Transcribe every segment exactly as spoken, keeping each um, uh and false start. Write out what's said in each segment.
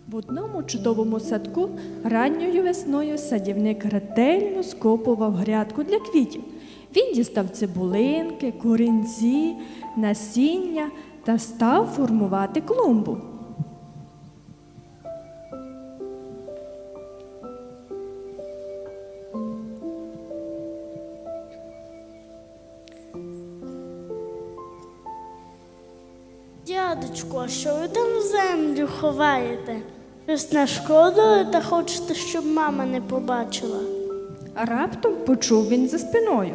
В одному чудовому садку ранньою весною садівник ретельно скопував грядку для квітів. Він дістав цибулинки, корінці, насіння та став формувати клумбу. Дядечку, а що ви там в землю ховаєте? Щось нашкодили та хочете, щоб мама не побачила? А раптом почув він за спиною.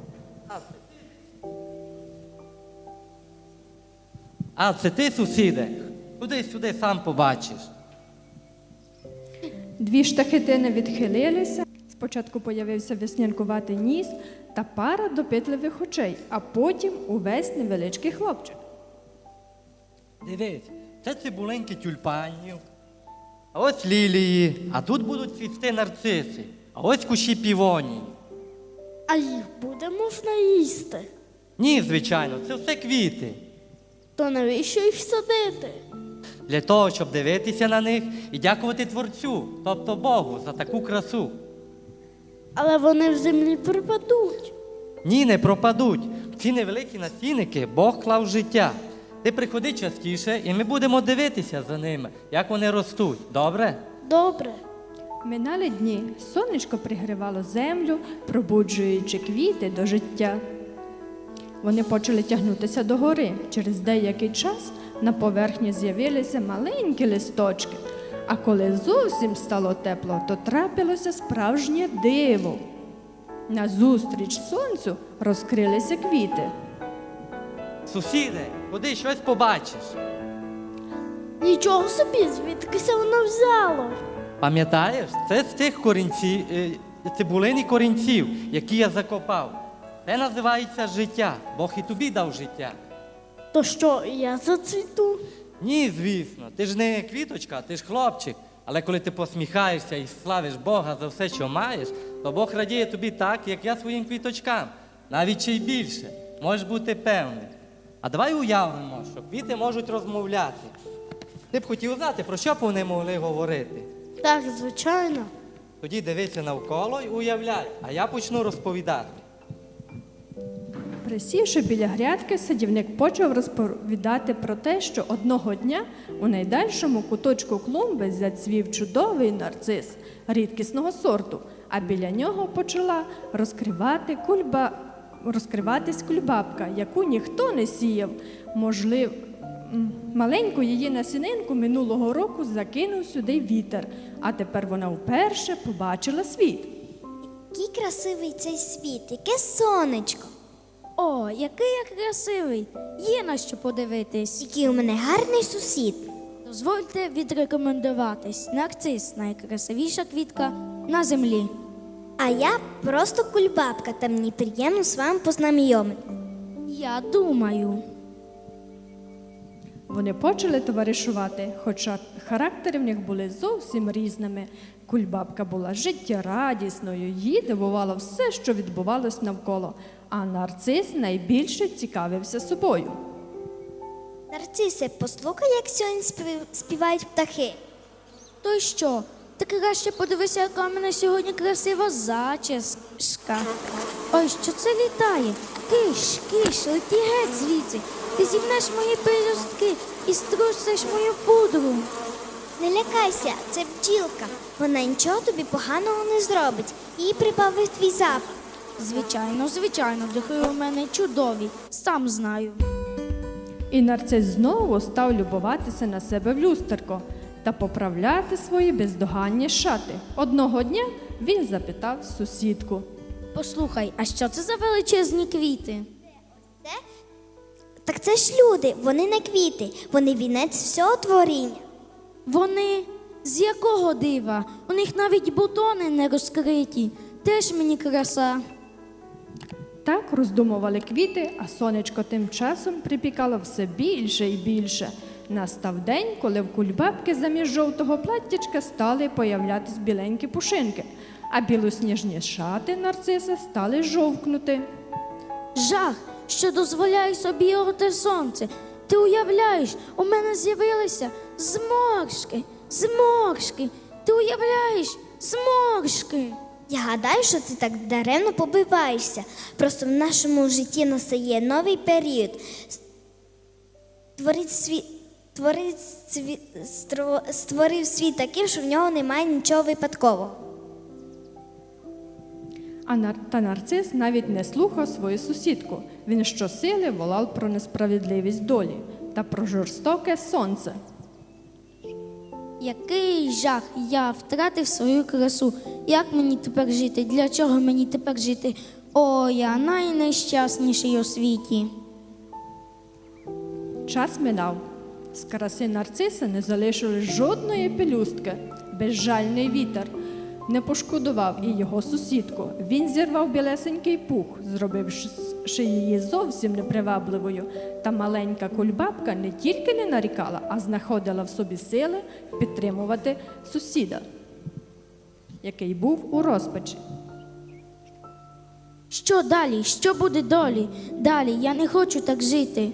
А, це ти, сусіде? Туди сюди сам побачиш. Дві штахетини відхилилися. Спочатку появився веснянкуватий ніс та пара допитливих очей, а потім увесь невеличкий хлопчик. Дивись, це цибулинки тюльпанів, а ось лілії, а тут будуть цвісти нарциси, а ось кущі півонії. А їх буде можна їсти? Ні, звичайно, це все квіти. То навіщо їх садити? Для того, щоб дивитися на них і дякувати Творцю, тобто Богу, за таку красу. Але вони в землі припадуть. Ні, не пропадуть. В ці невеликі насінники Бог клав життя. Ти приходи частіше, і ми будемо дивитися за ними, як вони ростуть. Добре? Добре. Минали дні, сонечко пригрівало землю, пробуджуючи квіти до життя. Вони почали тягнутися догори. Через деякий час на поверхні з'явилися маленькі листочки. А коли зовсім стало тепло, то трапилося справжнє диво. Назустріч сонцю розкрилися квіти. Сусіде, ходи, щось побачиш. Нічого собі, звідкися воно взяло? Пам'ятаєш, це з тих корінців, е, цибулин і корінців, які я закопав. Це називається життя. Бог і тобі дав життя. То що, я зацвіту? Ні, звісно, ти ж не квіточка, ти ж хлопчик. Але коли ти посміхаєшся і славиш Бога за все, що маєш, то Бог радіє тобі так, як я своїм квіточкам. Навіть ще й більше. Можеш бути певний. А давай уявимо, що квіти можуть розмовляти. Ти б хотів знати, про що б вони могли говорити? Так, звичайно. Тоді дивися навколо і уявляй, а я почну розповідати. Присівши біля грядки, садівник почав розповідати про те, що одного дня у найдальшому куточку клумби зацвів чудовий нарцис рідкісного сорту, а біля нього почала розкривати кульба... розкриватись кульбабка, яку ніхто не сіяв. Можливо, маленьку її насінинку минулого року закинув сюди вітер, а тепер вона вперше побачила світ. Який красивий цей світ, яке сонечко. О, який я красивий! Є на що подивитись. Який у мене гарний сусід. Дозвольте відрекомендуватись. Нарцис – найкрасивіша квітка на землі. А я просто кульбабка, та мені приємно з вами познайомити. Я думаю. Вони почали товаришувати, хоча характери в них були зовсім різними. Кульбабка була життєрадісною, її дивувало все, що відбувалось навколо, а нарцис найбільше цікавився собою. Нарцисе, послухай, як сьогодні спів- співають птахи. То й що? Ти краще подивися, яка в мене сьогодні красива зачіска. Ой, що це літає? Киш, киш, леті геть звідси. Ти зімнеш мої пелюстки і струсиш мою пудру. Не лякайся, це бджілка. Вона нічого тобі поганого не зробить. Їй прибавив твій запах. Звичайно, звичайно, духи у мене чудові, сам знаю. І нарцис знову став любуватися на себе в люстерко та поправляти свої бездоганні шати. Одного дня він запитав сусідку. Послухай, а що це за величезні квіти? Це? Так це ж люди, вони не квіти, вони вінець всього творіння. Вони? З якого дива? У них навіть бутони не розкриті. Теж мені краса. Так роздумували квіти, а сонечко тим часом припікало все більше і більше. Настав день, коли в кульбабки замість жовтого платтячка стали появлятись біленькі пушинки, а білосніжні шати нарциса стали жовкнути. Жах, що дозволяє собі його те сонце. Ти уявляєш, у мене з'явилися зморшки, Зморшки. Ти уявляєш? Зморшки. Я гадаю, що ти так даремно побиваєшся. Просто в нашому житті настає новий період. Творить світ, творить світ, стро- створив світ таким, що в нього немає нічого випадкового. А нар... та нарцис навіть не слухав свою сусідку. Він щосили волав про несправедливість долі та про жорстоке сонце. Який жах, я втратив свою красу. Як мені тепер жити? Для чого мені тепер жити? О, я найнещасніший у світі. Час минав. З краси нарциса не залишилось жодної пелюстки. Безжальний вітер не пошкодував і його сусідку. Він зірвав білесенький пух, зробивши її зовсім непривабливою. Та маленька кульбабка не тільки не нарікала, а знаходила в собі сили підтримувати сусіда, який був у розпачі. Що далі? Що буде долі? Далі, я не хочу так жити.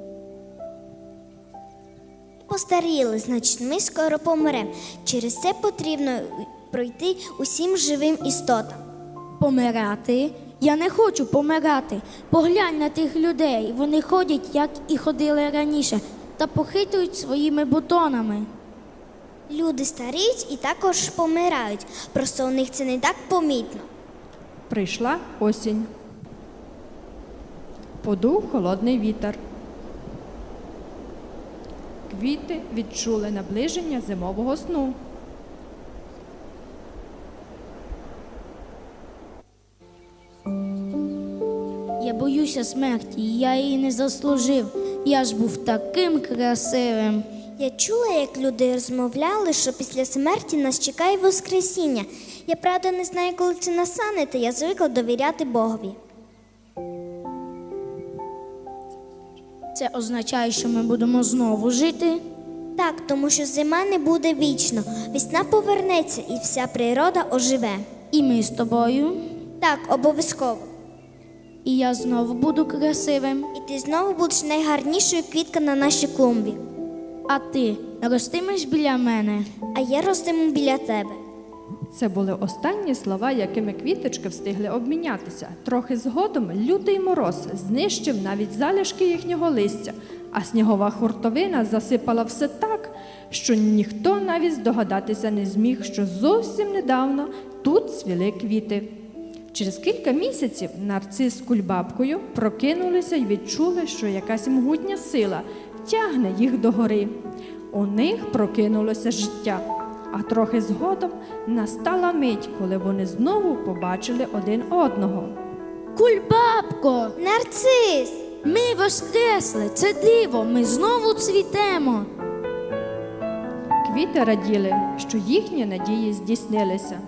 Постаріли, значить, ми скоро помремо. Через це потрібно пройти усім живим істотам. Помирати? Я не хочу помирати. Поглянь на тих людей. Вони ходять, як і ходили раніше, та похитують своїми бутонами. Люди старіють і також помирають. Просто у них це не так помітно. Прийшла осінь. Подув холодний вітер. Квіти відчули наближення зимового сну. Я боюся смерті, я її не заслужив. Я ж був таким красивим. Я чула, як люди розмовляли, що після смерті нас чекає Воскресіння. Я, правда, не знаю, коли це настане, та я звикла довіряти Богові. Це означає, що ми будемо знову жити? Так, тому що зима не буде вічно. Весна повернеться і вся природа оживе. І ми з тобою? Так, обов'язково. І я знову буду красивим. І ти знову будеш найгарнішою квіткою на нашій клумбі. А ти ростимеш біля мене? А я ростиму біля тебе. Це були останні слова, якими квіточки встигли обмінятися. Трохи згодом лютий мороз знищив навіть залишки їхнього листя, а снігова хуртовина засипала все так, що ніхто навіть здогадатися не зміг, що зовсім недавно тут цвіли квіти. Через кілька місяців нарцис з кульбабкою прокинулися і відчули, що якась могутня сила тягне їх догори. У них прокинулося життя. А трохи згодом настала мить, коли вони знову побачили один одного. Кульбабко! Нарцис! Ми воскресли! Це диво! Ми знову цвітемо! Квіти раділи, що їхні надії здійснилися.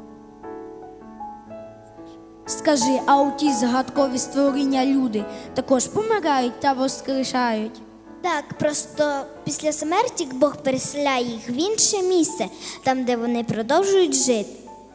Скажи, а у ті загадкові створіння люди також помирають та воскрешають? Так, просто після смерті Бог переселяє їх в інше місце, там, де вони продовжують жити.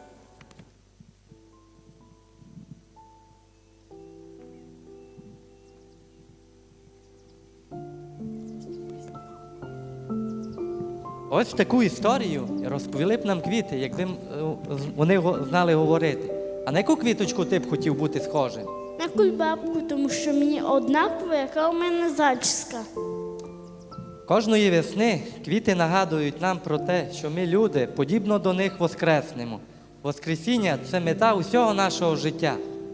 Ось таку історію розповіли б нам квіти, якби м, е, з- вони го- знали говорити. А на яку квіточку ти б хотів бути схожим? На кульбабку, тому що мені однаково, яка у мене зачіска. Кожної весни квіти нагадують нам про те, що ми, люди, подібно до них воскреснемо. Воскресіння – це мета усього нашого життя.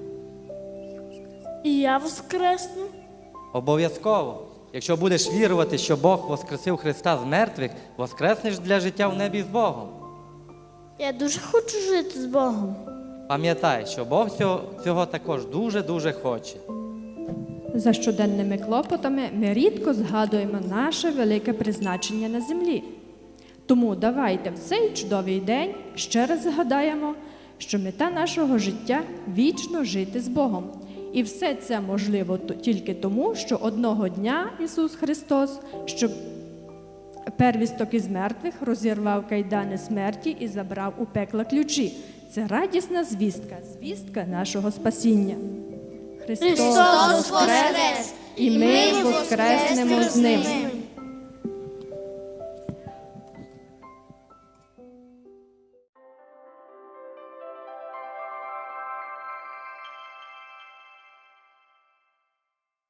І я воскресну. Обов'язково. Якщо будеш вірувати, що Бог воскресив Христа з мертвих, воскреснеш для життя в небі з Богом. Я дуже хочу жити з Богом. Пам'ятай, що Бог цього, цього також дуже-дуже хоче. За щоденними клопотами ми рідко згадуємо наше велике призначення на землі. Тому давайте в цей чудовий день ще раз згадаємо, що мета нашого життя – вічно жити з Богом. І все це можливо т- тільки тому, що одного дня Ісус Христос, щоб первісток із мертвих, розірвав кайдани смерті і забрав у пекла ключі. Це радісна звістка, звістка нашого спасіння. Христос, Христос воскрес, і ми воскреснемо з Ним.